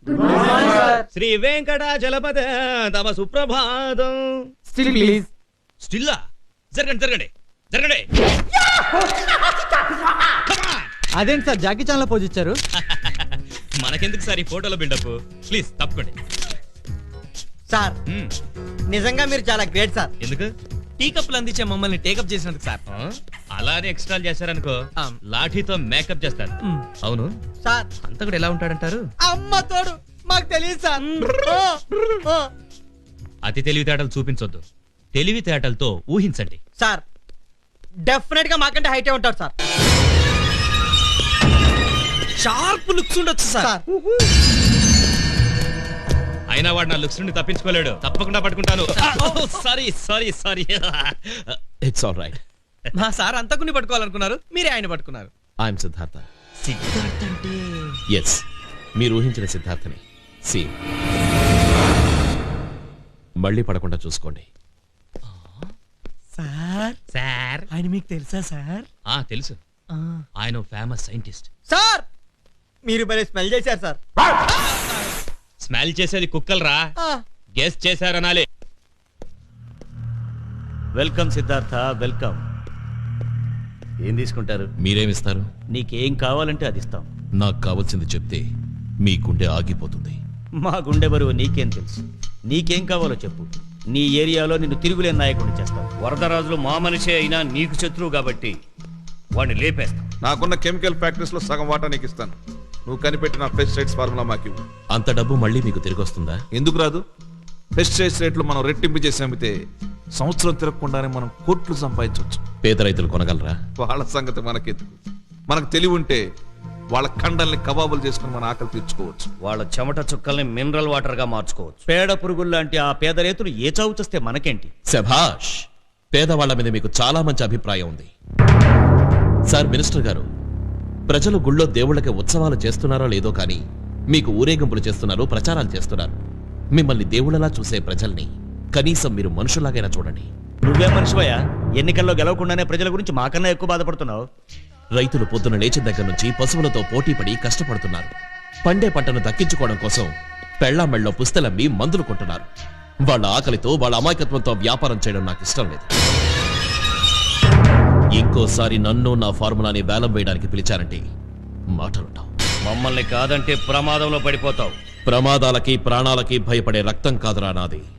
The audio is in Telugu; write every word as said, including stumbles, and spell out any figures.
శ్రీ వెంకటాచలపతి తమ సుప్రభాతం. Still please. స్టిల్లా? జరగండి జరగండి జరగండి. అదేంటి సార్ జాకీ చాన్ లో పోజ్ ఇచ్చారు? మనకెందుకు సార్ ఈ ఫోటోలో బిల్డప్? ప్లీజ్ తప్పుకోండి సార్. నిజంగా మీరు చాలా గ్రేట్ సార్. ఎందుకు? టీ కప్పులు అందించే మమ్మల్ని టేకప్ చేసినందుకు సార్. అలానే ఎక్స్ట్రా చేశారనుకో లాఠీతో మేకప్ చేస్తారు. అవును సార్, అంత కూడా ఎలా ఉంటాడంటారు? అమ్మ తోడు మాకు తెలియదు సార్. అతి తెలివితేటలు చూపించొద్దు, తెలివితేటలతో ఊహించండి. సార్ డెఫినెట్ గా మాకంటే హైటే ఉంటాడు సార్. షార్ప్ లుక్స్ ఉండొచ్చు సార్. అయినా వాడు నా లుక్స్ నుండి తప్పించుకోలేడు. తప్పకుండా పట్టుకుంటాను. Sorry sorry sorry it's all right. మా సార్ అంతకుని పట్టుకోవాలనుకున్నారు, మీరే ఆయన పట్టుకున్నారు. ఐఎమ్ సిద్ధార్థ. సిద్ధార్థ్ అంటే ఎస్, మీరు ఊహించిన సిద్ధార్థని. సి మళ్ళీ పడకుండా చూసుకోండి. సార్ సార్ ఆయన మీకు తెలుసా సార్? ఆ తెలుసు, ఆయన ఫేమస్ సైంటిస్ట్. సార్ మీరు భలే స్మెల్ చేశారు సార్. స్మెల్ చేసేది కుక్కలరా, గెస్ చేశారనాలి. Welcome Siddhartha, welcome. ఏం తీసుకుంటారు? మీరేమిస్తారు? నీకేం కావాలంటే అది ఇస్తాం. నాకు కావాల్సింది చెప్తే మీ గుండె ఆగిపోతుంది. మా గుండె బరువు నీకేం తెలుసు? నీకేం కావాలో చెప్పు, నీ ఏరియాలో నిన్ను తిరుగులేని నాయకుడిని చేస్తాం. వరదరాజులు మా మనిషే అయినా నీకు శత్రువు కాబట్టి వాడిని లేపేస్తాం. నాకున్న కెమికల్ ఫ్యాక్టరీస్ లో సగం వాటా నీకు ఇస్తాను. నువ్వు కనిపెట్టిన పెస్టిసైడ్స్ ఫార్ములా మాకు. అంత డబ్బు మళ్ళీ మీకు తిరిగి వస్తుందా? ఎందుకు రాదు? పెస్టిసైడ్స్ రేట్లు మనం రెట్టింపు చేసి అమ్మితే సంవత్సరం తిరగకుండానే మనం కోట్లు సంపాదించవచ్చు. పేద రైతులు కొనగలరా? వాళ్ళ సంగతి మనకెందుకు? మనకు తెలివి ఉంటే వాళ్ళ కండల్ని కబాబులు చేసుకుని మన ఆకలి తీర్చుకోవచ్చు. వాళ్ళ చెమట చుక్కల్ని మినరల్ వాటర్ గా మార్చుకోవచ్చు. పేడ పురుగులు లాంటి ఆ పేద రైతులు ఏ చావు చేస్తే మనకేంటి? శభాష్, పేదవాళ్ల మీద మీకు చాలా మంచి అభిప్రాయం ఉంది. సార్ మినిస్టర్ గారు, ప్రజలు గుళ్ళో దేవుళ్ళకి ఉత్సవాలు చేస్తున్నారో లేదో కానీ మీకు ఊరేగింపులు చేస్తున్నారు, ప్రచారాలు చేస్తున్నారు. మిమ్మల్ని దేవుళ్ళలా చూసే ప్రజల్ని కనీసం మీరు మనుషులాగైనా చూడండి. నువ్వే మనిషివయ్యా? ఎన్నికల్లో గెలవకుండానే ప్రజల గురించి మాకన్నా ఎక్కువ బాధపడుతున్నావు. రైతులు పొద్దున లేచిన దగ్గర నుంచి పశువులతో పోటీపడి కష్టపడుతున్నారు. పండే పంటను దక్కించుకోవడం కోసం పెళ్లామెళ్ళలో పుస్తెలమ్మి మందులు కొంటున్నారు. వాళ్ళ ఆకలితో, వాళ్ళ అమాయకత్వంతో వ్యాపారం చేయడం నాకు ఇష్టం లేదు. ఇంకోసారి నన్ను నా ఫార్ములాని వేలం వేయడానికి పిలిచారంటే మాటలుంటావు. మమ్మల్ని కాదంటే ప్రమాదంలో పడిపోతావు. ప్రమాదాలకి ప్రాణాలకి భయపడే రక్తం కాదురా నాది.